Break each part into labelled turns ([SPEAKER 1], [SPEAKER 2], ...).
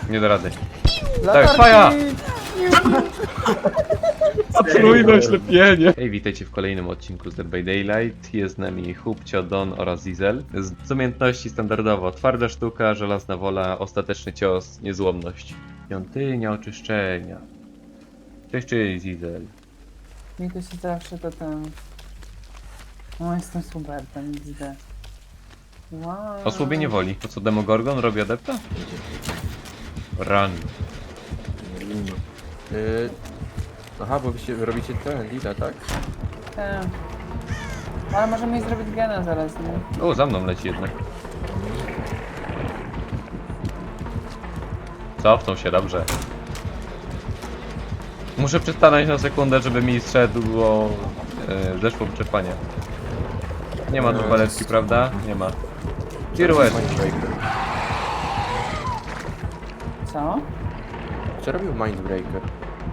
[SPEAKER 1] Nie da rady.
[SPEAKER 2] Latarki!
[SPEAKER 1] faja! Potrójne oślepienie! Hej, witajcie w kolejnym odcinku z Dead by Daylight. Jest z nami Hubcio, Don oraz Zizel. Z umiejętności standardowo twarda sztuka, żelazna wola, ostateczny cios, niezłomność. Świątynia oczyszczenia. Cześć, Zizel.
[SPEAKER 2] Mi to się zawsze to ten... No jestem super, ten widzę. Wow.
[SPEAKER 1] Osłabienie woli. To co, Demogorgon robi adepta? Run.
[SPEAKER 3] Aha, bo wy robicie ten lida, tak?
[SPEAKER 2] Tak. Ale możemy jej zrobić gena zaraz, nie?
[SPEAKER 1] O, za mną leci jednak. Cofnął się, dobrze. Muszę przystanąć na sekundę, żeby mi zszedło... zeszło wyczerpanie. Nie ma tu paletki, prawda? Nie ma. Pirouette.
[SPEAKER 3] Mindbreaker.
[SPEAKER 2] Co?
[SPEAKER 3] Co robił Mindbreaker?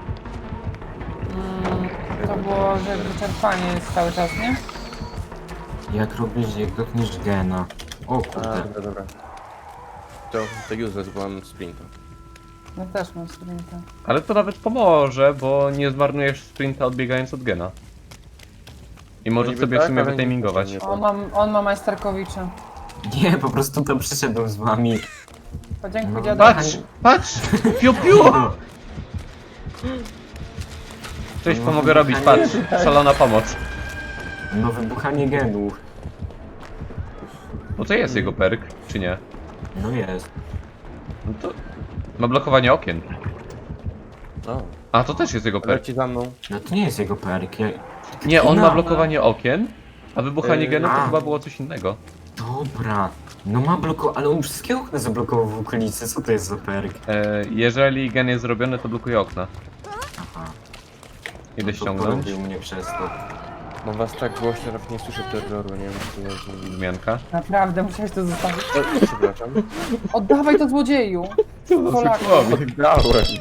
[SPEAKER 2] To było, że wyczerpanie jest cały czas, nie?
[SPEAKER 4] Jak robisz, jak dotkniesz gena. O
[SPEAKER 3] A,
[SPEAKER 4] kurde.
[SPEAKER 3] dobra. To useless, bo mam sprinta.
[SPEAKER 2] Ja też mam sprinta.
[SPEAKER 1] Ale to nawet pomoże, bo nie zmarnujesz sprinta odbiegając od gena. I możesz
[SPEAKER 3] niby
[SPEAKER 1] sobie w
[SPEAKER 3] tak,
[SPEAKER 1] sumie
[SPEAKER 3] ale
[SPEAKER 1] wytimingować.
[SPEAKER 3] nie-
[SPEAKER 2] On ma majsterkowicza.
[SPEAKER 4] Nie, po prostu tam przyszedłem z wami.
[SPEAKER 2] Podziękuj
[SPEAKER 4] No.
[SPEAKER 2] dziadu.
[SPEAKER 1] Patrz! Patrz! Piu piu! Coś pomogę robić, patrz. Szalona pomoc.
[SPEAKER 4] No wybuchanie genów.
[SPEAKER 1] Bo to jest jego perk, czy nie?
[SPEAKER 4] No jest.
[SPEAKER 1] No to... Ma blokowanie okien.
[SPEAKER 3] O,
[SPEAKER 1] A, to też jest jego perk.
[SPEAKER 3] leci za mną.
[SPEAKER 4] No to nie jest jego perk.
[SPEAKER 1] Nie, on ma
[SPEAKER 4] No.
[SPEAKER 1] blokowanie okien, a wybuchanie genów to
[SPEAKER 4] a.
[SPEAKER 1] chyba było coś innego.
[SPEAKER 4] Dobra. No ma ale on wszystkie okna zablokował w okolicy. Co to jest za perk?
[SPEAKER 1] Jeżeli gen jest zrobiony, to blokuje okna.
[SPEAKER 4] Aha.
[SPEAKER 1] Idę
[SPEAKER 4] To
[SPEAKER 1] ściągnąć.
[SPEAKER 4] porobił mnie przez to.
[SPEAKER 3] Mam was tak głośno, że nawet nie słyszę terroru, nie wiem co to jest.
[SPEAKER 1] Zmianka.
[SPEAKER 2] Naprawdę, musiałeś to zostawić.
[SPEAKER 3] Przepraszam.
[SPEAKER 2] Oddawaj to złodzieju! Polaku.
[SPEAKER 3] Oddałem.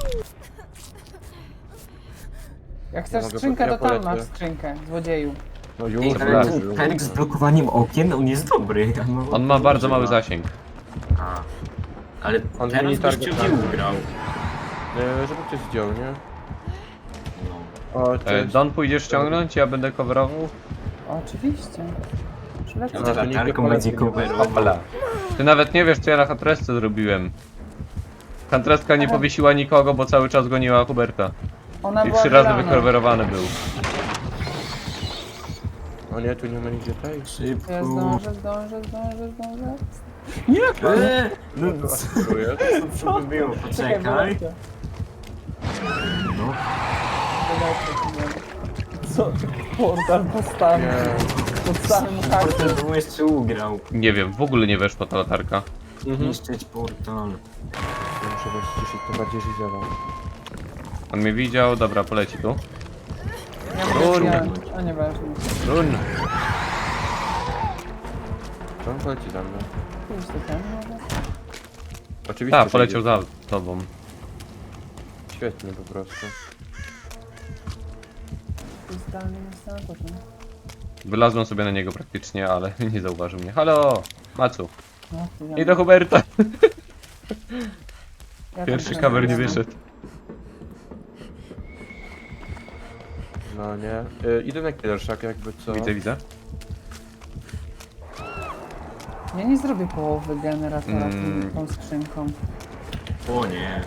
[SPEAKER 2] Jak chcesz
[SPEAKER 3] mogę-
[SPEAKER 2] skrzynkę,
[SPEAKER 3] ja
[SPEAKER 2] to tam
[SPEAKER 3] polecę.
[SPEAKER 2] masz skrzynkę złodzieju.
[SPEAKER 3] No
[SPEAKER 4] Ej,
[SPEAKER 3] już,
[SPEAKER 4] ale
[SPEAKER 1] przepraszam.
[SPEAKER 4] ten perk z blokowaniem okien, on jest dobry.
[SPEAKER 1] On ma bardzo mały zasięg.
[SPEAKER 4] A. Ale
[SPEAKER 3] On
[SPEAKER 4] teraz
[SPEAKER 3] mini
[SPEAKER 4] byś
[SPEAKER 3] target
[SPEAKER 4] cię
[SPEAKER 3] tak.
[SPEAKER 4] ugrał.
[SPEAKER 3] Żeby ktoś zdjął, nie?
[SPEAKER 4] No.
[SPEAKER 3] O, cześć.
[SPEAKER 1] Don, pójdziesz ściągnąć, ja będę coverował.
[SPEAKER 2] Oczywiście. Przylecę.
[SPEAKER 3] No, to
[SPEAKER 4] Latarką
[SPEAKER 3] nigdy
[SPEAKER 4] będzie
[SPEAKER 3] poleceń nie
[SPEAKER 4] coverował.
[SPEAKER 1] Opala. Ty nawet nie wiesz, co ja na Huntressce zrobiłem. Huntresska nie powiesiła nikogo, bo cały czas goniła Huberta.
[SPEAKER 2] Ona
[SPEAKER 1] I
[SPEAKER 2] była
[SPEAKER 1] 3 razy
[SPEAKER 2] wylana.
[SPEAKER 1] wycoverowany był.
[SPEAKER 3] O nie, tu nie ma nigdzie tej.
[SPEAKER 2] Ja
[SPEAKER 4] Szybko.
[SPEAKER 2] zdążę.
[SPEAKER 4] No
[SPEAKER 3] Dziękuję.
[SPEAKER 4] co by było? Poczekaj.
[SPEAKER 2] wylecę.
[SPEAKER 4] No.
[SPEAKER 2] Co? Portal postawił
[SPEAKER 3] Nie.
[SPEAKER 2] pod samym hakiem.
[SPEAKER 4] To był jeszcze ugrał.
[SPEAKER 1] Nie wiem, w ogóle nie weszła ta latarka.
[SPEAKER 4] Niszczyć portal.
[SPEAKER 3] Ja muszę was ciszyć, to bardziej Gisela.
[SPEAKER 1] On mnie widział, dobra, poleci tu.
[SPEAKER 2] Ja
[SPEAKER 1] Run.
[SPEAKER 2] mówię, a nieważne.
[SPEAKER 1] Run!
[SPEAKER 3] To on poleci za mną.
[SPEAKER 2] Pójdź do ten może?
[SPEAKER 3] Oczywiście.
[SPEAKER 1] Tak,
[SPEAKER 3] że
[SPEAKER 1] poleciał
[SPEAKER 3] idzie.
[SPEAKER 1] za tobą.
[SPEAKER 3] Świetnie po prostu.
[SPEAKER 2] Jest zdalny instalatorem.
[SPEAKER 1] Wylazłem sobie na niego praktycznie, ale nie zauważył mnie. Halo! Macu!
[SPEAKER 2] No,
[SPEAKER 1] I do Huberta!
[SPEAKER 2] ja
[SPEAKER 1] Pierwszy
[SPEAKER 2] tam
[SPEAKER 1] cover nie
[SPEAKER 2] jestem.
[SPEAKER 1] wyszedł.
[SPEAKER 3] No nie. Idę na Killershak jakby co.
[SPEAKER 1] Widzę.
[SPEAKER 2] Ja nie zrobię połowy generatora tą skrzynką.
[SPEAKER 4] O nie.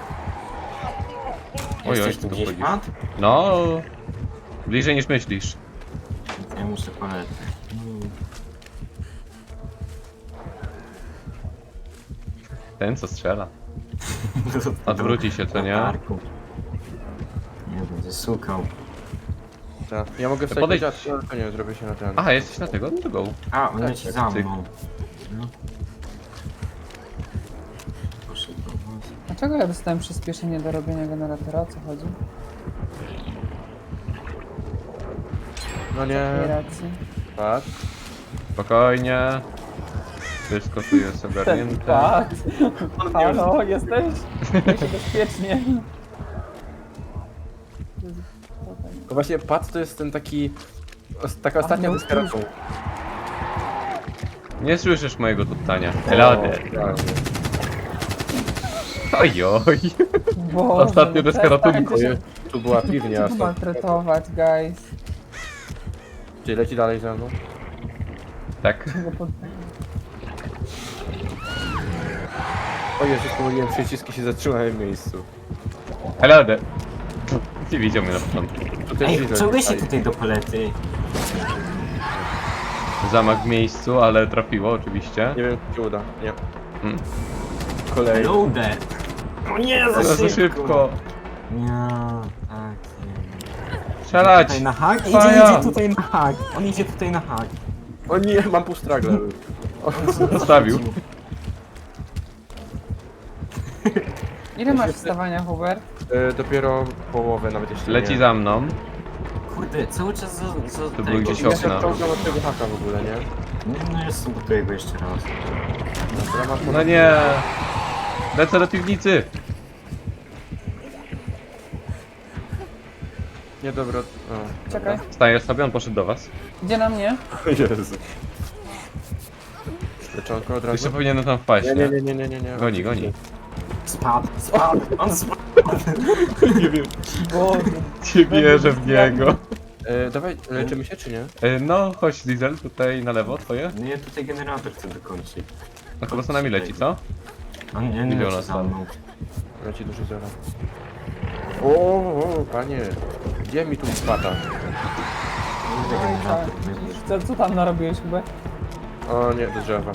[SPEAKER 1] Oj,
[SPEAKER 4] Jesteś
[SPEAKER 1] tu
[SPEAKER 4] tu gdzieś,
[SPEAKER 1] wchodzisz.
[SPEAKER 4] Pat?
[SPEAKER 1] No, bliżej niż myślisz.
[SPEAKER 4] Ja muszę paletę.
[SPEAKER 1] Ten co strzela. Odwróci się, co nie?
[SPEAKER 4] Latarką. Nie, będę szukał.
[SPEAKER 3] Tak. Ja mogę wstać
[SPEAKER 1] podejdź.
[SPEAKER 3] na dziadku, ale to nie, zrobię się na ten.
[SPEAKER 1] Aha, jesteś na tego? No to go.
[SPEAKER 4] A, on leci za
[SPEAKER 1] cyk.
[SPEAKER 4] mną. No. Poszedł do was.
[SPEAKER 2] Dlaczego ja dostałem przyspieszenie do robienia generatora? O co chodzi?
[SPEAKER 3] No
[SPEAKER 2] Nie
[SPEAKER 3] nie.
[SPEAKER 2] racji.
[SPEAKER 3] Patrz.
[SPEAKER 1] Spokojnie. Wszystko tu jest ogarnięte.
[SPEAKER 2] Tak. Halo, jesteś? Czuję się bezpiecznie.
[SPEAKER 3] To właśnie Pat to jest ten taki... Taka ostatnia
[SPEAKER 2] no,
[SPEAKER 3] desperatą.
[SPEAKER 1] Nie słyszysz mojego tutania. Hello there. Ojoj.
[SPEAKER 2] Boże,
[SPEAKER 1] Ostatnio
[SPEAKER 2] no
[SPEAKER 1] deska ratunku.
[SPEAKER 2] przestańcie się
[SPEAKER 3] Tu była piwnia.
[SPEAKER 2] tu maltretować, guys.
[SPEAKER 3] Czy leci dalej ze mną?
[SPEAKER 1] Tak.
[SPEAKER 2] Czego pod...
[SPEAKER 3] O Jezus, pomyliłem przyciski, się zatrzymałem w miejscu.
[SPEAKER 1] Ale nie widział mnie na początku.
[SPEAKER 3] Tu też
[SPEAKER 4] Ej,
[SPEAKER 3] widzę,
[SPEAKER 4] co się
[SPEAKER 3] tutaj.
[SPEAKER 4] tutaj do palety?
[SPEAKER 1] Zamach w miejscu, ale trafiło oczywiście.
[SPEAKER 3] Nie wiem, czy się uda. Nie.
[SPEAKER 1] Mm.
[SPEAKER 3] Kolej.
[SPEAKER 4] Loader! O nie,
[SPEAKER 1] Za szybko.
[SPEAKER 4] Nie, tak, nie.
[SPEAKER 1] Strzelać!
[SPEAKER 4] Tutaj na hak?
[SPEAKER 1] Faja!
[SPEAKER 4] Idzie tutaj na hak. On idzie tutaj na hak.
[SPEAKER 3] O nie, mam pół stragle.
[SPEAKER 1] Zostawił.
[SPEAKER 2] Ile masz wstawania, Hubert?
[SPEAKER 3] Dopiero połowę, nawet jeszcze
[SPEAKER 1] Leci
[SPEAKER 3] nie.
[SPEAKER 1] za mną.
[SPEAKER 4] Kurde, cały czas za
[SPEAKER 1] To
[SPEAKER 4] tego.
[SPEAKER 1] był gdzieś
[SPEAKER 3] Ja się
[SPEAKER 1] okna.
[SPEAKER 3] wciągam od tego haka w ogóle, nie?
[SPEAKER 4] No jest sabotuję go jeszcze raz.
[SPEAKER 3] Dobra, masz
[SPEAKER 1] No nie. Lecę do piwnicy.
[SPEAKER 3] Nie, dobra. O,
[SPEAKER 2] Czekaj.
[SPEAKER 1] Stajesz sobie, on poszedł do was.
[SPEAKER 2] Idzie na mnie?
[SPEAKER 3] Jezu. Leczonko od razu?
[SPEAKER 1] Jeszcze powinienem tam wpaść,
[SPEAKER 3] Nie,
[SPEAKER 1] nie?
[SPEAKER 3] nie, nie, nie, nie, nie.
[SPEAKER 1] Goni, goni.
[SPEAKER 4] Spadł. On spadł.
[SPEAKER 1] Nie wiem.
[SPEAKER 2] Boże.
[SPEAKER 1] Nie wierzę w niego.
[SPEAKER 3] Dawaj, leczymy się czy nie?
[SPEAKER 1] No, chodź Diesel, tutaj na lewo, twoje.
[SPEAKER 4] No ja tutaj generator chcę dokończyć.
[SPEAKER 1] No chyba za nami leci, co?
[SPEAKER 4] On nie
[SPEAKER 1] Miliona
[SPEAKER 4] leci za
[SPEAKER 1] tam.
[SPEAKER 4] mną.
[SPEAKER 3] Leci duży zero. O, panie. Gdzie mi tu spada?
[SPEAKER 4] Kurde,
[SPEAKER 2] Oj, tak.
[SPEAKER 4] generator.
[SPEAKER 2] Co tam narobiłeś, Hubert?
[SPEAKER 3] O nie, do drzewa.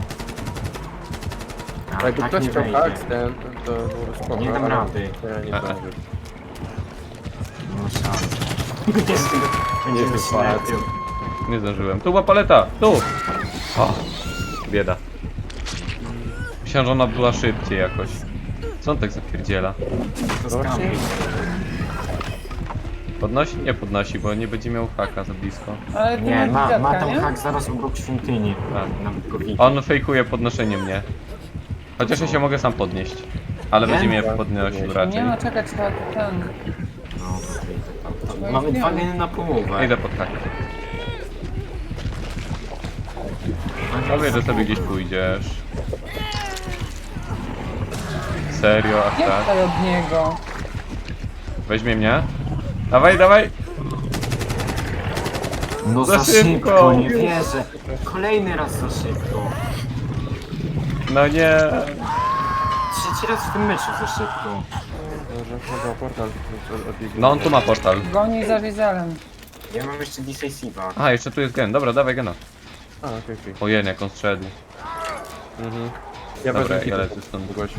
[SPEAKER 4] A,
[SPEAKER 3] Jakby
[SPEAKER 4] tak
[SPEAKER 3] ktoś
[SPEAKER 4] nie
[SPEAKER 3] chciał
[SPEAKER 4] wejdzie.
[SPEAKER 3] hak, ten, to byłoby spoko.
[SPEAKER 4] Nie dam
[SPEAKER 3] ale
[SPEAKER 4] rady.
[SPEAKER 3] Ja nie zdążę.
[SPEAKER 4] Nie ma szans. Będziemy
[SPEAKER 3] Jest
[SPEAKER 4] się
[SPEAKER 3] fakt.
[SPEAKER 4] lepiej.
[SPEAKER 1] Nie zdążyłem. Tu była paleta! Tu! O! Bieda. Myślałem, że ona była szybciej jakoś. Co on tak zapierdziela?
[SPEAKER 4] To
[SPEAKER 3] Zobaczcie.
[SPEAKER 4] skamy.
[SPEAKER 1] Podnosi? Nie podnosi, bo nie będzie miał haka za blisko.
[SPEAKER 2] Ale ty
[SPEAKER 4] Nie,
[SPEAKER 2] masz
[SPEAKER 4] ma
[SPEAKER 2] dziadka,
[SPEAKER 4] tam
[SPEAKER 2] nie?
[SPEAKER 4] hak zaraz obok świątyni.
[SPEAKER 1] A.
[SPEAKER 4] Nawet go widzę.
[SPEAKER 1] On fejkuje podnoszenie mnie. Chociaż ja się mogę sam podnieść. Ale
[SPEAKER 4] Nie?
[SPEAKER 1] będzie mnie podnosił raczej.
[SPEAKER 2] Nie no, czekaj, trzeba tu ten...
[SPEAKER 4] No, to wyjdę tam. Mamy dwa geny na połowę.
[SPEAKER 1] Idę pod hak. Powiedz, że sobie gdzieś pójdziesz. Serio, aż
[SPEAKER 2] Nie
[SPEAKER 1] tak?
[SPEAKER 2] wstać od niego.
[SPEAKER 1] Weźmie mnie. Dawaj, dawaj!
[SPEAKER 4] No
[SPEAKER 1] Za
[SPEAKER 4] za
[SPEAKER 1] szybko.
[SPEAKER 4] szybko, nie wierzę. Kolejny raz za szybko.
[SPEAKER 1] No nie!
[SPEAKER 4] Trzeci raz w tym meczu za szybko.
[SPEAKER 3] Może chyba portal odbiegnie.
[SPEAKER 1] No on tu ma portal.
[SPEAKER 2] Goni za Wizelem.
[SPEAKER 4] Ja mam jeszcze decisive'a.
[SPEAKER 1] A, jeszcze tu jest gen. Dobra, dawaj gena.
[SPEAKER 3] A, okej, okej.
[SPEAKER 1] Ojej, jak on zszedł.
[SPEAKER 3] Mhm. Ja
[SPEAKER 1] Dobra,
[SPEAKER 3] wezmę
[SPEAKER 1] ja
[SPEAKER 3] hita.
[SPEAKER 1] lecę stąd.
[SPEAKER 3] Kogoś.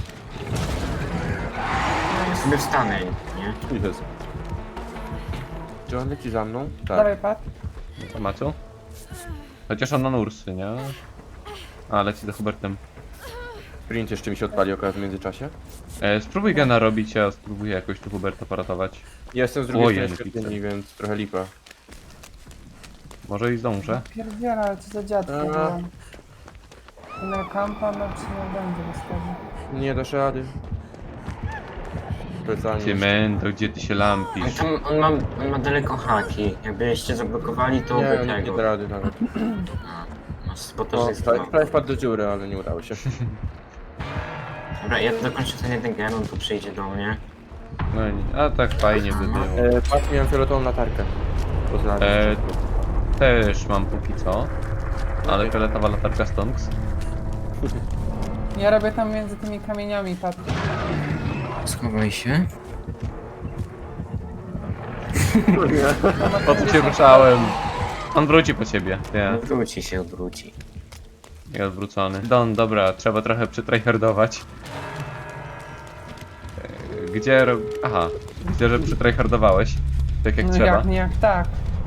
[SPEAKER 4] Sobie wstanę, nie?
[SPEAKER 3] Jezu. Czy on leci za mną? Tak.
[SPEAKER 2] Dawaj, Pat.
[SPEAKER 1] Ma co? Chociaż on na Ursy, nie? A, leci za Hubertem.
[SPEAKER 3] Sprint jeszcze mi się odpali akurat w międzyczasie.
[SPEAKER 1] Spróbuj gena robić, a spróbuję jakoś tu Huberta poratować.
[SPEAKER 3] Ja jestem z drugiej
[SPEAKER 1] Ojej,
[SPEAKER 3] strony
[SPEAKER 1] pizza.
[SPEAKER 3] świątyni, więc trochę lipa.
[SPEAKER 1] Może i zdążę.
[SPEAKER 2] Pierdziela, ale co za dziadko
[SPEAKER 3] A.
[SPEAKER 2] byłem. Na kampa, no czy nie będzie wystawił.
[SPEAKER 3] Nie dasz rady. Specjalnie.
[SPEAKER 1] Ty mendo, gdzie ty się lampisz?
[SPEAKER 4] Ale tam on ma daleko haki. Jakbyście zablokowali, to
[SPEAKER 3] Nie,
[SPEAKER 4] by
[SPEAKER 3] nie
[SPEAKER 4] tego.
[SPEAKER 3] da rady nawet.
[SPEAKER 4] Bo to
[SPEAKER 3] No,
[SPEAKER 4] jest
[SPEAKER 3] prawie wpadł do dziury, ale nie udało się.
[SPEAKER 4] Dobra, ja dokończę ten jeden gen, on tu przyjdzie do mnie.
[SPEAKER 1] No nie, a tak fajnie by było.
[SPEAKER 3] Patrz, miałem fioletową latarkę. Pozdrawiam.
[SPEAKER 1] Też mam póki co. Ale fioletowa latarka Stonks.
[SPEAKER 2] Ja robię tam między tymi kamieniami, Pat.
[SPEAKER 4] Schowaj się.
[SPEAKER 1] Po co cię ruszałem? On wróci po ciebie. Nie,
[SPEAKER 4] Wróci się, odwróci.
[SPEAKER 1] nie odwrócony. Don, dobra, trzeba trochę przytryhardować. Gdzie rob... Aha, widzę, że przytryhardowałeś. Tak jak
[SPEAKER 2] No
[SPEAKER 1] trzeba.
[SPEAKER 2] jak nie jak tak.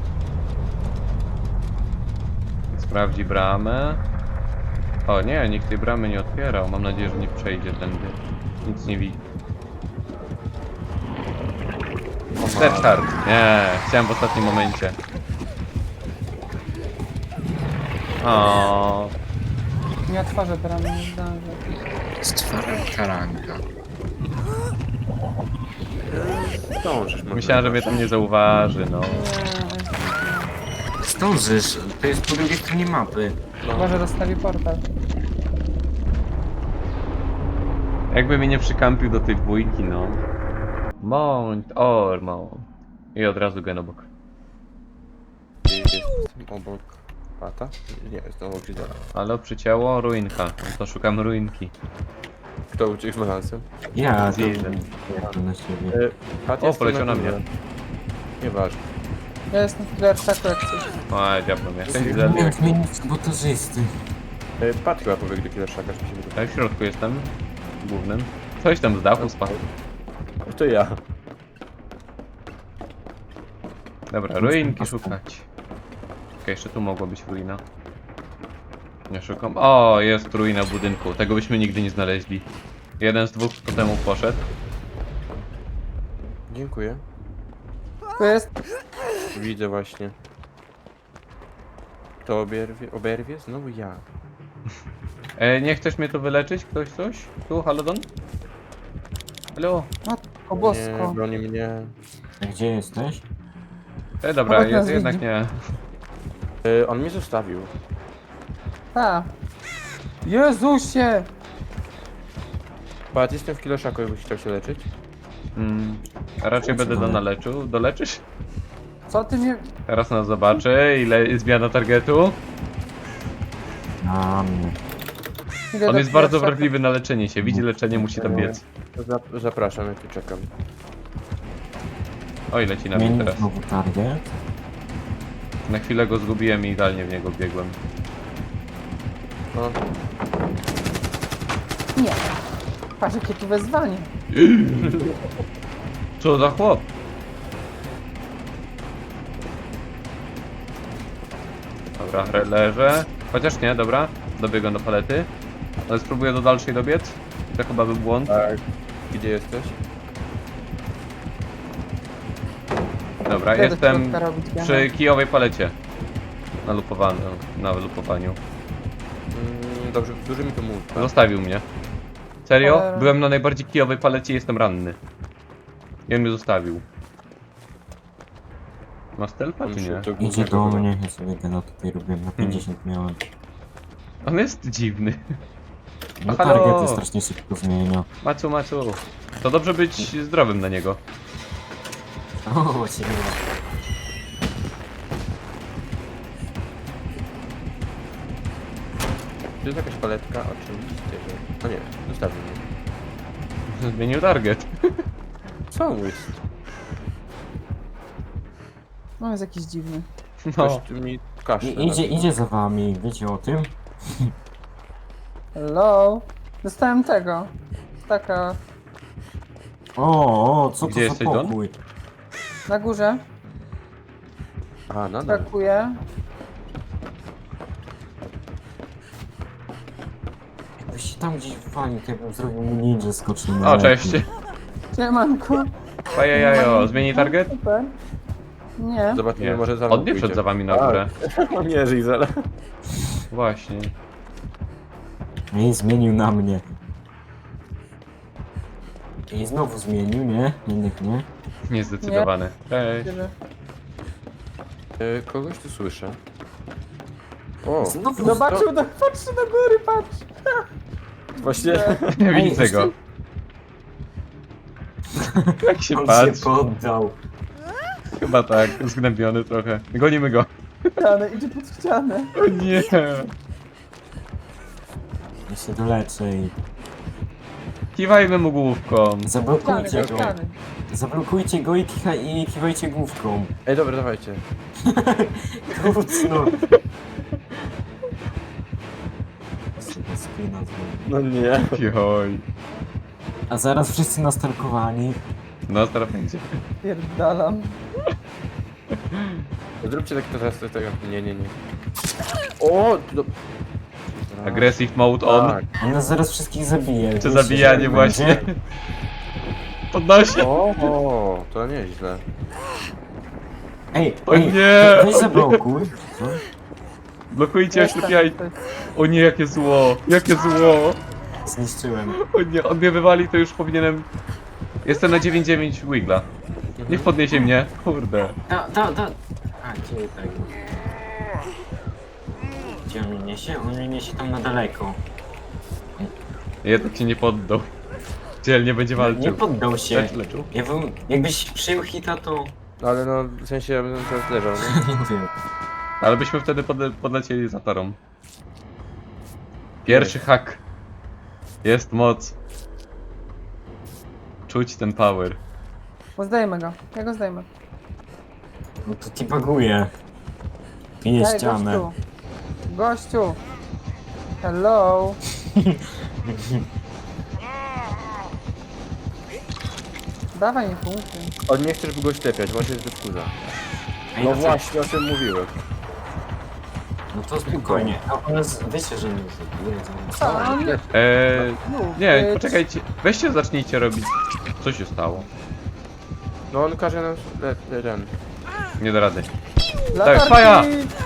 [SPEAKER 1] Sprawdzi bramę. O nie, nikt tej bramy nie otwierał. Mam nadzieję, że nie przejdzie tędy. Nic nie widzi. Deathhard. Nie, chciałem w ostatnim momencie. O,
[SPEAKER 2] Nie otworzę bramy, nie zdążę.
[SPEAKER 4] Taranka.
[SPEAKER 3] Zdążysz może.
[SPEAKER 1] myślałem, że mnie tam nie zauważy, no.
[SPEAKER 2] Nie,
[SPEAKER 4] Zdążysz, to jest po drugiej stronie mapy.
[SPEAKER 2] chyba, że rozstawi portal.
[SPEAKER 1] Jakby mnie nie przykampił do tej dwójki, no. Mount Ormond. I od razu gen obok.
[SPEAKER 3] Jest obok pata? Nie, jest obok Gisela.
[SPEAKER 1] Ale przycięło ruinka. No to szukam ruinki.
[SPEAKER 3] Kto uciekł z balansem?
[SPEAKER 4] Ja to
[SPEAKER 1] Zjeżdżę.
[SPEAKER 4] jadę na siebie.
[SPEAKER 3] Pat
[SPEAKER 1] O,
[SPEAKER 3] jest
[SPEAKER 1] poleciał na mnie.
[SPEAKER 3] Nieważne.
[SPEAKER 2] Ja jestem w Flerczaku jak coś.
[SPEAKER 1] O, diablo mnie. Ten
[SPEAKER 4] Nie
[SPEAKER 1] Gizel.
[SPEAKER 4] wiem zmienić sabotażysty.
[SPEAKER 3] Pat chyba powie, gdzie Killerszaka, czy się wydaje.
[SPEAKER 1] Ja w środku jestem. Głównym. Coś tam z dachu spadł.
[SPEAKER 3] To ja.
[SPEAKER 1] Dobra, ruinki szukać. Okej, jeszcze tu mogła być ruina. Nie szukam. O, jest ruina budynku. Tego byśmy nigdy nie znaleźli. Jeden z dwóch po temu poszedł.
[SPEAKER 3] Dziękuję.
[SPEAKER 2] To jest...
[SPEAKER 3] Widzę właśnie. Kto oberwie? Znowu ja.
[SPEAKER 1] Nie chcesz mnie tu wyleczyć? Ktoś coś? Tu, Halodon? Halo?
[SPEAKER 2] Matko
[SPEAKER 3] Nie,
[SPEAKER 2] bosko.
[SPEAKER 3] broni mnie.
[SPEAKER 4] A gdzie jesteś?
[SPEAKER 1] Dobra,
[SPEAKER 2] Obok nas
[SPEAKER 1] jednak
[SPEAKER 2] widzi.
[SPEAKER 1] nie.
[SPEAKER 3] On mnie zostawił.
[SPEAKER 2] Ta. Jezusie!
[SPEAKER 3] Pat, jestem w Killerszaku, jakbyś chciał się leczyć.
[SPEAKER 1] A raczej będę donaleczył. Doleczysz?
[SPEAKER 2] Co ty mnie...
[SPEAKER 1] Teraz nas zobaczy, ile zmiana targetu.
[SPEAKER 4] Na mnie.
[SPEAKER 2] Idę
[SPEAKER 1] On
[SPEAKER 2] do
[SPEAKER 1] jest bardzo
[SPEAKER 2] Flerczaka.
[SPEAKER 1] wrażliwy na leczenie się. Widzi leczenie, musi tam biec.
[SPEAKER 3] Zapraszam, ja tu czekam.
[SPEAKER 1] Oj, leci na mnie
[SPEAKER 4] Zmienić
[SPEAKER 1] teraz.
[SPEAKER 4] znowu target.
[SPEAKER 1] Na chwilę go zgubiłem i idealnie w niego biegłem.
[SPEAKER 3] No,
[SPEAKER 2] Nie. Patrz jakie tu wezwanie.
[SPEAKER 1] Co za chłop? Dobra, leżę. Chociaż nie, dobra. Dobiegam do palety. Ale spróbuję do dalszej dobiec. To chyba był błąd.
[SPEAKER 3] tak. Gdzie jesteś?
[SPEAKER 1] Dobra,
[SPEAKER 2] Idę do
[SPEAKER 1] jestem
[SPEAKER 2] środka robić gena.
[SPEAKER 1] przy kijowej palecie. Na lupowaniu.
[SPEAKER 3] Dobrze, duży mi to mów. Tak?
[SPEAKER 1] Zostawił mnie. Serio?
[SPEAKER 2] Cholera.
[SPEAKER 1] Byłem na najbardziej kijowej palecie i jestem ranny. I on mnie zostawił. Ma stealtha czy nie?
[SPEAKER 4] Idzie do mnie, ja sobie gena tutaj robiłem, na 50 miałem.
[SPEAKER 1] On jest dziwny.
[SPEAKER 4] No
[SPEAKER 1] Halo?
[SPEAKER 4] targety strasznie szybko zmienia.
[SPEAKER 1] Macu. To dobrze być zdrowym na niego.
[SPEAKER 4] O, cię
[SPEAKER 3] To jest jakaś paletka? Oczywiście, że... No nie, zostawił mnie.
[SPEAKER 1] Zmienił target.
[SPEAKER 3] Co on jest?
[SPEAKER 2] No jest jakiś dziwny.
[SPEAKER 1] No.
[SPEAKER 3] Ktoś tu mi kaszle.
[SPEAKER 4] idzie za wami, wiecie o tym?
[SPEAKER 2] Hello? Dostałem tego. Taka...
[SPEAKER 4] O, co
[SPEAKER 1] Gdzie
[SPEAKER 4] to za
[SPEAKER 1] jesteś, Don?
[SPEAKER 4] pokój?
[SPEAKER 2] Na górze.
[SPEAKER 3] A, nadal.
[SPEAKER 2] Brakuje.
[SPEAKER 4] Jakbyś się tam gdzieś walił, to ja bym zrobił mu ninja skoczył na
[SPEAKER 1] O,
[SPEAKER 4] lepiej.
[SPEAKER 1] cześć.
[SPEAKER 2] Siemanko.
[SPEAKER 1] Pajajajo, zmieni target?
[SPEAKER 2] Super. Nie.
[SPEAKER 3] Zobaczymy,
[SPEAKER 1] Nie.
[SPEAKER 3] może za mną
[SPEAKER 1] On nie wszedł
[SPEAKER 3] pójdzie.
[SPEAKER 1] za wami na górę.
[SPEAKER 3] A, nie, Gisela.
[SPEAKER 1] Właśnie.
[SPEAKER 4] I zmienił na mnie. I znowu zmienił, nie? Jednak nie.
[SPEAKER 1] Niezdecydowany. Cześć.
[SPEAKER 2] Tyle.
[SPEAKER 3] Kogoś tu słyszę. O,
[SPEAKER 4] Znowu
[SPEAKER 2] Zobaczył, patrzy do góry, patrz.
[SPEAKER 3] właśnie...
[SPEAKER 1] Nie widzę go. Jak się
[SPEAKER 4] on się
[SPEAKER 1] patrzy.
[SPEAKER 4] poddał.
[SPEAKER 1] Chyba tak, zgnębiony trochę. Gonimy go.
[SPEAKER 2] Ścianę, idzie pod ścianę.
[SPEAKER 1] O nie.
[SPEAKER 4] Ja się doleczę i...
[SPEAKER 1] Kiwajmy mu główką.
[SPEAKER 2] Ściany,
[SPEAKER 4] Zablokujcie
[SPEAKER 2] do
[SPEAKER 4] go.
[SPEAKER 2] ściany.
[SPEAKER 4] Zablokujcie go i kiwajcie główką.
[SPEAKER 3] Ej, dobra, dawajcie.
[SPEAKER 4] Krótno. Sobie spina zrobię.
[SPEAKER 3] No nie.
[SPEAKER 1] Joj.
[SPEAKER 4] A zaraz wszyscy nastalkowani.
[SPEAKER 1] No, teraz będzie.
[SPEAKER 2] Pierdalam.
[SPEAKER 3] Zróbcie tak to teraz, tego. Nie. O! Do...
[SPEAKER 1] Aggressive mode on.
[SPEAKER 3] Tak.
[SPEAKER 4] On nas zaraz wszystkich zabije.
[SPEAKER 1] Czy
[SPEAKER 4] Wiecie,
[SPEAKER 1] zabijanie
[SPEAKER 4] że
[SPEAKER 1] właśnie.
[SPEAKER 4] będzie?
[SPEAKER 1] Podnosi.
[SPEAKER 3] O, to nieźle.
[SPEAKER 4] Ej,
[SPEAKER 1] O
[SPEAKER 4] ej,
[SPEAKER 1] nie!
[SPEAKER 4] weź zablokuj. Co?
[SPEAKER 1] Blokujcie,
[SPEAKER 2] Jestem,
[SPEAKER 1] oślepiaj.
[SPEAKER 2] to jest-
[SPEAKER 1] O nie, jakie zło. Jakie zło.
[SPEAKER 4] Zniszczyłem.
[SPEAKER 1] O nie, on mnie wywali, to już powinienem... Jestem na 9-9 Wigla. Niech podniesie mnie. Kurde.
[SPEAKER 4] Da. A, gdzie tak? Gdzie on mnie niesie? On mnie niesie tam na daleko.
[SPEAKER 1] Jednak cię nie poddał. Dzielnie będzie
[SPEAKER 4] Nie
[SPEAKER 1] walczył.
[SPEAKER 4] poddał się.
[SPEAKER 1] Leczył.
[SPEAKER 4] Jakbyś przyjął hita, to...
[SPEAKER 3] No ale no, w sensie ja bym teraz leżał, nie?
[SPEAKER 4] Nie wiem.
[SPEAKER 1] Ale byśmy wtedy podlecieli za tarą. Pierwszy hak. Jest moc. Czuć ten power.
[SPEAKER 2] Bo zdejmę go. Ja go zdejmę.
[SPEAKER 4] No to ci baguje. Pije
[SPEAKER 2] Ej,
[SPEAKER 4] ścianę.
[SPEAKER 2] gościu. Gościu. Hello. Dawaj mi punkty.
[SPEAKER 3] On nie chce, żeby go ślepiać, właśnie jest wkurza.
[SPEAKER 4] Ej,
[SPEAKER 3] No
[SPEAKER 4] to-
[SPEAKER 3] właśnie, o tym mówiłem.
[SPEAKER 4] No to spokojnie. A ona wiecie, że nie zabije.
[SPEAKER 2] Co? On nie...
[SPEAKER 1] Nie, poczekajcie. Weźcie, zacznijcie robić. Co się stało?
[SPEAKER 3] No on każe nam ten.
[SPEAKER 1] Nie da rady.
[SPEAKER 2] Latarki!
[SPEAKER 1] faja!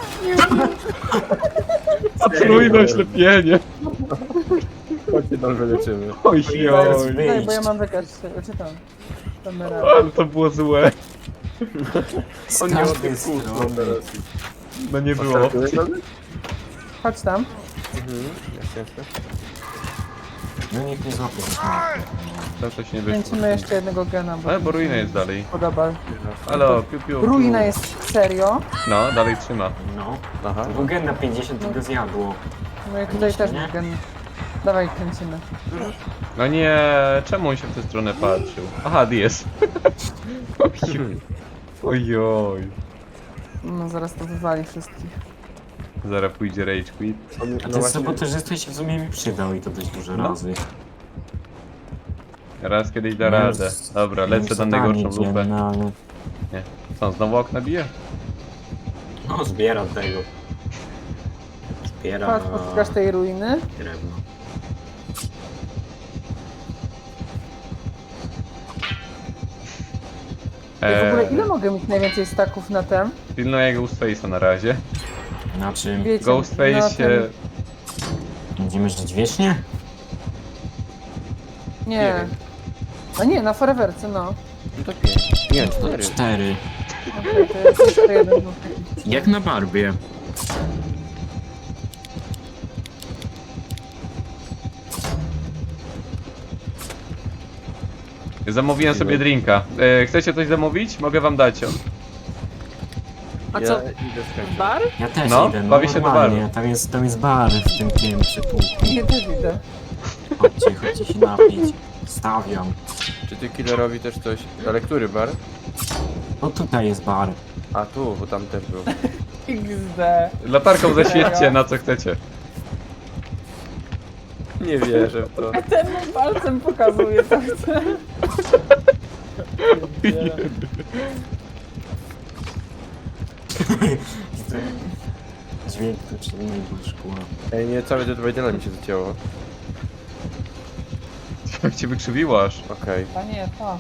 [SPEAKER 1] Potrójne oślepienie.
[SPEAKER 3] Chodźcie tam wyleczymy.
[SPEAKER 1] Oj,
[SPEAKER 4] Zaraz
[SPEAKER 1] oj.
[SPEAKER 2] Daj, bo ja
[SPEAKER 4] wyjść.
[SPEAKER 2] mam wykaz. Czytam. Kamera.
[SPEAKER 1] Ale to było złe.
[SPEAKER 3] On
[SPEAKER 4] Z
[SPEAKER 3] nie
[SPEAKER 4] każdej
[SPEAKER 3] odbył kółko
[SPEAKER 4] strony.
[SPEAKER 3] teraz.
[SPEAKER 1] No nie było.
[SPEAKER 2] Chodź tam.
[SPEAKER 3] Jasne.
[SPEAKER 4] No niech nie złapie.
[SPEAKER 1] Tam coś nie wyszło.
[SPEAKER 2] Kręcimy jeszcze jednego gena, bo...
[SPEAKER 1] Ale bo ruina jest dalej.
[SPEAKER 2] Podoba.
[SPEAKER 1] Halo, piu piu.
[SPEAKER 2] Ruina jest serio.
[SPEAKER 1] No, dalej trzyma.
[SPEAKER 4] No.
[SPEAKER 3] Aha.
[SPEAKER 4] To był gen na 50 i go zjadło.
[SPEAKER 2] No i tutaj też
[SPEAKER 4] Nie?
[SPEAKER 2] był gen. Dawaj, kręcimy.
[SPEAKER 1] No nie, czemu on się w tę stronę patrzył? Aha, DS. Ojoj.
[SPEAKER 2] No zaraz to wywali wszystkich.
[SPEAKER 1] Zaraz pójdzie rage quit.
[SPEAKER 3] On,
[SPEAKER 4] A
[SPEAKER 3] no
[SPEAKER 4] ten
[SPEAKER 3] właśnie,
[SPEAKER 4] sabotażysta się w sumie mi przydał i to dość dużo
[SPEAKER 1] No.
[SPEAKER 4] razy.
[SPEAKER 1] Raz kiedyś da radę. Dobra, lecę na najgorszą lupę.
[SPEAKER 4] No, ale...
[SPEAKER 1] Nie. Co, on znowu okna bije?
[SPEAKER 4] no zbieram tego. Zbieram
[SPEAKER 2] Chodź, poszukasz tej ruiny.
[SPEAKER 4] drewno.
[SPEAKER 2] I w ogóle ile mogę mieć najwięcej staków na tem?
[SPEAKER 1] Pilnuję Ghostface'a na razie.
[SPEAKER 4] Na czym?
[SPEAKER 2] Wiecie,
[SPEAKER 1] Ghostface
[SPEAKER 2] na
[SPEAKER 1] się...
[SPEAKER 2] tym-
[SPEAKER 4] Będziemy żyć wiecznie?
[SPEAKER 2] Nie.
[SPEAKER 3] wiem.
[SPEAKER 2] A nie, na foreverce, no.
[SPEAKER 3] No to 5. Nie, 4.
[SPEAKER 4] 4.
[SPEAKER 2] Okej, to jest jeszcze jeden. był taki.
[SPEAKER 4] Jak na Barbie.
[SPEAKER 1] Zamówiłem sobie drinka. Chcecie coś zamówić? Mogę wam dać.
[SPEAKER 2] A
[SPEAKER 3] Ja
[SPEAKER 2] co?
[SPEAKER 3] idę skończyć.
[SPEAKER 2] Bar?
[SPEAKER 4] Ja też
[SPEAKER 1] No,
[SPEAKER 4] idę, no
[SPEAKER 1] bawię się do
[SPEAKER 4] normalnie.
[SPEAKER 1] baru.
[SPEAKER 4] Tam jest bar w tym piętrze półku.
[SPEAKER 2] Nie, też idę.
[SPEAKER 4] Chodźcie się napić. Stawiam.
[SPEAKER 3] Czy ty killerowi też coś... Ale który bar?
[SPEAKER 4] No tutaj jest bar.
[SPEAKER 3] A tu, bo tam też był.
[SPEAKER 2] XD.
[SPEAKER 1] Latarką zaświećcie na co chcecie.
[SPEAKER 3] Nie wierzę w to.
[SPEAKER 2] Ten mu palcem pokazuje, co chce.
[SPEAKER 4] Dźwięk to czy nie szkła.
[SPEAKER 3] Ej, nie, całe Dead by Daylight mi się zacięło.
[SPEAKER 1] Jak cię wykrzywiło aż.
[SPEAKER 3] Okej.
[SPEAKER 2] Panie, to.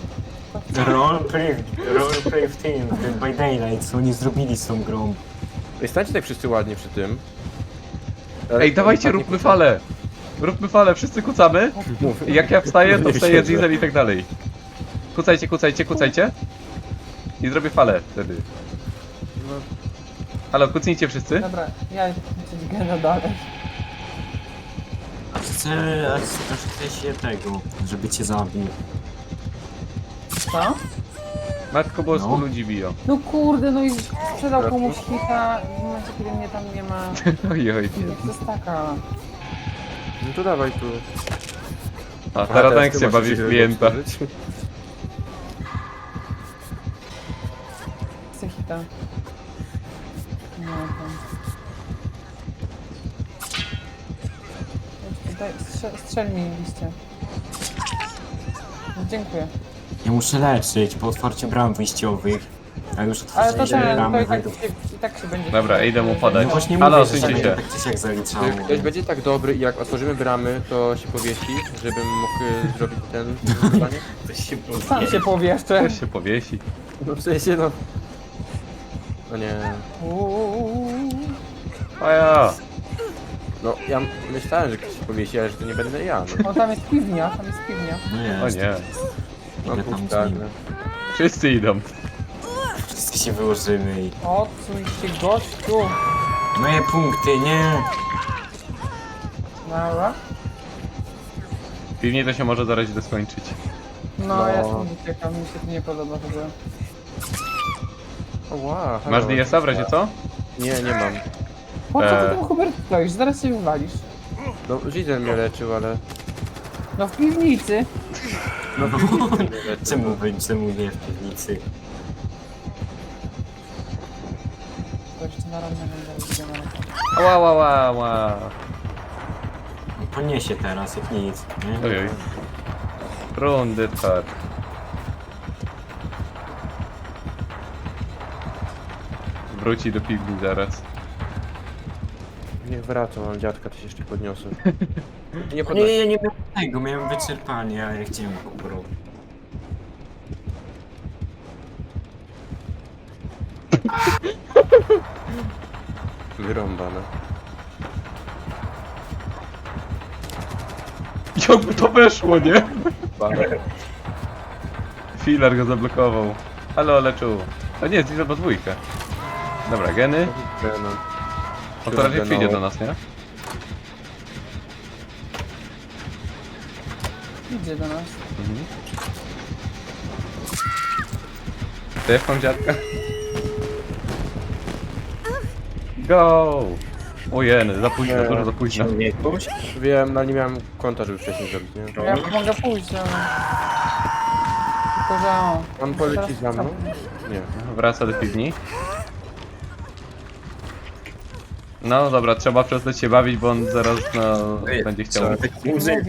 [SPEAKER 4] Roleplay w tym, w Dead by Daylight, co oni zrobili z tą grą.
[SPEAKER 3] Ej, stańcie tak wszyscy ładnie przy tym.
[SPEAKER 1] Ej, dawajcie, róbmy falę! Róbmy falę, wszyscy kucamy.
[SPEAKER 3] Mów.
[SPEAKER 1] I jak ja wstaję, to
[SPEAKER 3] Nie
[SPEAKER 1] wstaje
[SPEAKER 3] siedzę.
[SPEAKER 1] Diesel i tak dalej. Kucajcie, kucajcie, kucajcie. I zrobię falę wtedy.
[SPEAKER 3] No,
[SPEAKER 1] Halo, kucnijcie wszyscy.
[SPEAKER 2] Dobra, ja idę kończyć gena dalej.
[SPEAKER 4] Chcę się tego, żeby cię zabił.
[SPEAKER 2] Co?
[SPEAKER 1] Matko bosku,
[SPEAKER 4] No.
[SPEAKER 1] ludzi biją.
[SPEAKER 2] No kurde, no i sprzedał komuś hita w momencie, kiedy mnie tam nie ma.
[SPEAKER 1] Ojoj.
[SPEAKER 2] To jest taka.
[SPEAKER 3] no to dawaj tu.
[SPEAKER 1] A teraz Tank
[SPEAKER 3] ty
[SPEAKER 1] się
[SPEAKER 3] masz
[SPEAKER 1] bawi
[SPEAKER 3] coś
[SPEAKER 1] w klienta.
[SPEAKER 3] otworzyć?
[SPEAKER 2] Chcę hita. No tam. Daj, strzel mi liście. No, dziękuję.
[SPEAKER 4] Ja muszę leczyć po otwarciu bram wyjściowych. A już
[SPEAKER 2] Ale to
[SPEAKER 4] otworzyłem
[SPEAKER 2] ten, to
[SPEAKER 4] bramy
[SPEAKER 2] i tak,
[SPEAKER 4] wyjdą.
[SPEAKER 2] i tak się będzie.
[SPEAKER 1] Dobra, idę mu podać.
[SPEAKER 4] No właśnie
[SPEAKER 1] Halo,
[SPEAKER 4] mówię, że się
[SPEAKER 1] odsuńcie
[SPEAKER 4] będzie
[SPEAKER 1] się.
[SPEAKER 4] tak czy siak zaliczało.
[SPEAKER 3] Czy ktoś będzie tak dobry i jak otworzymy bramy, to się powiesi, żebym mógł zrobić ten zadanie?
[SPEAKER 4] To się
[SPEAKER 2] Sam się powieszczę.
[SPEAKER 1] Też się powiesi.
[SPEAKER 3] No w sensie no... No nie...
[SPEAKER 1] A ja.
[SPEAKER 3] No ja myślałem, że ktoś się powiesi, ale że to nie będę ja. No.
[SPEAKER 2] O, tam jest piwnia, tam jest piwnia.
[SPEAKER 4] No
[SPEAKER 1] O
[SPEAKER 4] jest.
[SPEAKER 1] nie.
[SPEAKER 3] Mam
[SPEAKER 4] Idę tam z
[SPEAKER 3] puszczarnię.
[SPEAKER 4] nim.
[SPEAKER 1] Wszyscy idą.
[SPEAKER 4] Wszyscy się wyłożymy i...
[SPEAKER 2] Odsuń się, gościu.
[SPEAKER 4] Moje punkty, nie!
[SPEAKER 2] Dobra.
[SPEAKER 1] Piwnie to się może zaraz źle skończyć.
[SPEAKER 2] No, ja stąd uciekam, mi się to nie podoba w ogóle.
[SPEAKER 3] Ła,
[SPEAKER 1] Masz DS-a w razie co?
[SPEAKER 3] Nie, nie mam.
[SPEAKER 2] Po co ty tam, Hubert, stoisz? Zaraz się wywalisz.
[SPEAKER 3] No, Zizel mnie leczył, ale...
[SPEAKER 2] No w piwnicy.
[SPEAKER 4] No,
[SPEAKER 3] mnie leczył.
[SPEAKER 4] czemu nie w piwnicy?
[SPEAKER 2] To jeszcze na ranę będę
[SPEAKER 1] Ła, ła, ła, ła.
[SPEAKER 4] Poniesie teraz, jak nic, nie?
[SPEAKER 1] Ojoj. Rundy tar. Wróci do piwni zaraz.
[SPEAKER 3] Niech wraca, mam dziadka, to się jeszcze podniosę. Nie
[SPEAKER 4] Nie,
[SPEAKER 3] podnosi.
[SPEAKER 4] ja nie miałem tego, miałem wyczerpanie, a ja chciałem obrał.
[SPEAKER 3] Wyrąbane.
[SPEAKER 1] Jakby to weszło, nie?
[SPEAKER 3] Bane.
[SPEAKER 1] Filar go zablokował. Halo, leczu. A nie, zbliża podwójkę. Dobra, geny.
[SPEAKER 3] No.
[SPEAKER 1] O to raczej przyjdzie do nas, nie?
[SPEAKER 2] Idzie do nas.
[SPEAKER 1] Mhm. Też mam dziadka. Go! O jeny, za późno,
[SPEAKER 3] Nie.
[SPEAKER 1] dużo za późno.
[SPEAKER 4] Jakoś?
[SPEAKER 3] Wiem, no nie miałem konta, żeby wcześniej zrobić, nie?
[SPEAKER 2] Ja mogę pójść, ale... Tylko, że o...
[SPEAKER 3] On poleci za mną? Nie.
[SPEAKER 1] Wraca do piwni. No dobra, trzeba przestać się bawić, bo on zaraz no, będzie chciał.
[SPEAKER 2] Mówię.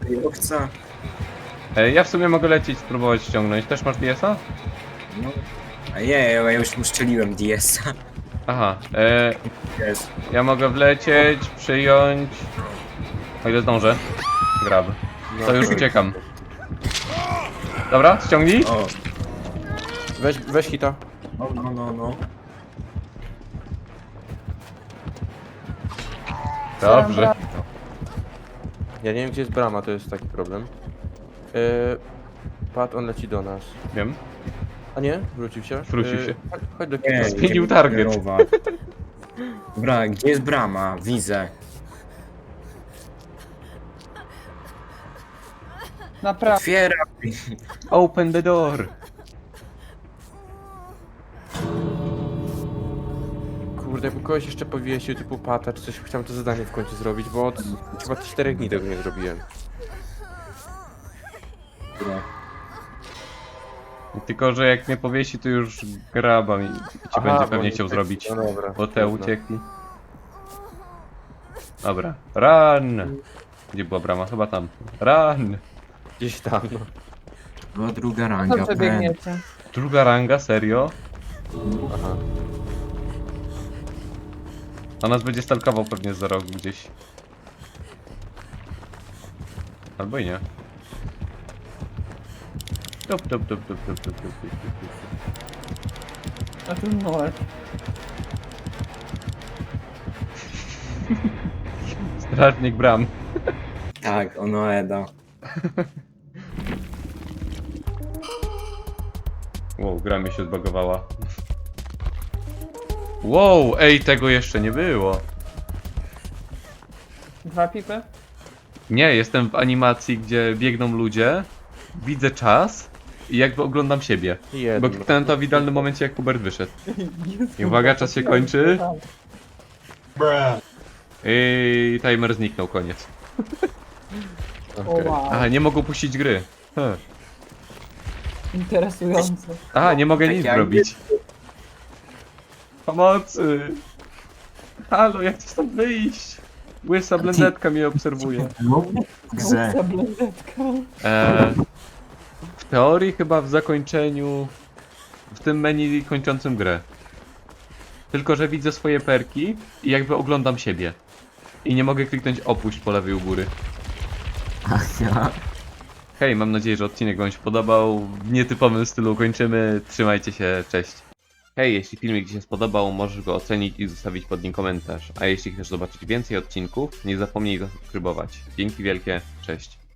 [SPEAKER 1] Ja w sumie mogę lecieć, spróbować ściągnąć. Też masz DS-a?
[SPEAKER 4] No. A ja już mu strzeliłem DS-a.
[SPEAKER 1] Aha,
[SPEAKER 4] Jest.
[SPEAKER 1] ja mogę wlecieć, przyjąć. O ile zdążę. Grab.
[SPEAKER 3] No,
[SPEAKER 1] To już uciekam. Dobra, ściągnij.
[SPEAKER 4] O,
[SPEAKER 3] Weź hita.
[SPEAKER 4] no.
[SPEAKER 1] Dobrze.
[SPEAKER 3] Ja nie wiem, gdzie jest brama, to jest taki problem. Pat, on leci do nas.
[SPEAKER 1] Wiem.
[SPEAKER 3] A nie? Wrócił się?
[SPEAKER 1] Wrócił się.
[SPEAKER 3] Chodź do
[SPEAKER 4] Nie,
[SPEAKER 3] kina.
[SPEAKER 1] Zmienił target.
[SPEAKER 4] Dobra, gdzie jest brama? Widzę.
[SPEAKER 2] Naprawdę.
[SPEAKER 4] Otwieram.
[SPEAKER 1] Open the door.
[SPEAKER 3] Kurde, jakby kogoś jeszcze powiesił, typu Pata, czy coś, chciałem to zadanie w końcu zrobić, bo od chyba 4 dni tego nie zrobiłem.
[SPEAKER 1] Tylko, że jak mnie powiesi, to już graba mi ci będzie pewnie chciał zrobić.
[SPEAKER 3] No dobra.
[SPEAKER 1] Bo te
[SPEAKER 3] trudno.
[SPEAKER 1] uciekli. Dobra. Run! Gdzie była brama? Chyba tam. Run!
[SPEAKER 3] Gdzieś tam, no.
[SPEAKER 4] Była druga ranga.
[SPEAKER 2] Dobrze biegniecie.
[SPEAKER 1] Druga ranga, serio?
[SPEAKER 3] Aha.
[SPEAKER 1] A nas będzie stalkował pewnie za rok gdzieś. Albo i nie. Tup, tup, tup, tup, tup, tup, tup, tup, tup, tup.
[SPEAKER 2] A tu numer.
[SPEAKER 1] Strażnik bram.
[SPEAKER 4] Tak, ono Eda.
[SPEAKER 1] Wow, gra mi się zbagowała. Wow, ej, tego jeszcze nie było.
[SPEAKER 2] 2 pipy?
[SPEAKER 1] Nie, jestem w animacji, gdzie biegną ludzie, widzę czas i jakby oglądam siebie.
[SPEAKER 3] Jedno.
[SPEAKER 1] Bo kliknąłem to w idealnym momencie, jak Hubert wyszedł. I uwaga, czas się kończy. I timer zniknął, koniec.
[SPEAKER 2] O wow.
[SPEAKER 1] Aha, nie mogą puścić gry.
[SPEAKER 2] Interesujące.
[SPEAKER 1] Aha, nie mogę
[SPEAKER 4] Tak
[SPEAKER 1] nic
[SPEAKER 4] jak-
[SPEAKER 1] zrobić. Pomocy! Halo, jak chcę stąd wyjść? Łysa blendetka mnie obserwuje.
[SPEAKER 4] No, grze.
[SPEAKER 2] Łysa blendetka.
[SPEAKER 1] W teorii chyba w zakończeniu, w tym menu kończącym grę. Tylko, że widzę swoje perki i jakby oglądam siebie. I nie mogę kliknąć opuść po lewej u góry. Hej, mam nadzieję, że odcinek wam się podobał. W nietypowym stylu kończymy. Trzymajcie się, cześć. Hej, jeśli filmik ci się spodobał, możesz go ocenić i zostawić pod nim komentarz. A jeśli chcesz zobaczyć więcej odcinków, nie zapomnij zasubskrybować. Dzięki wielkie, cześć.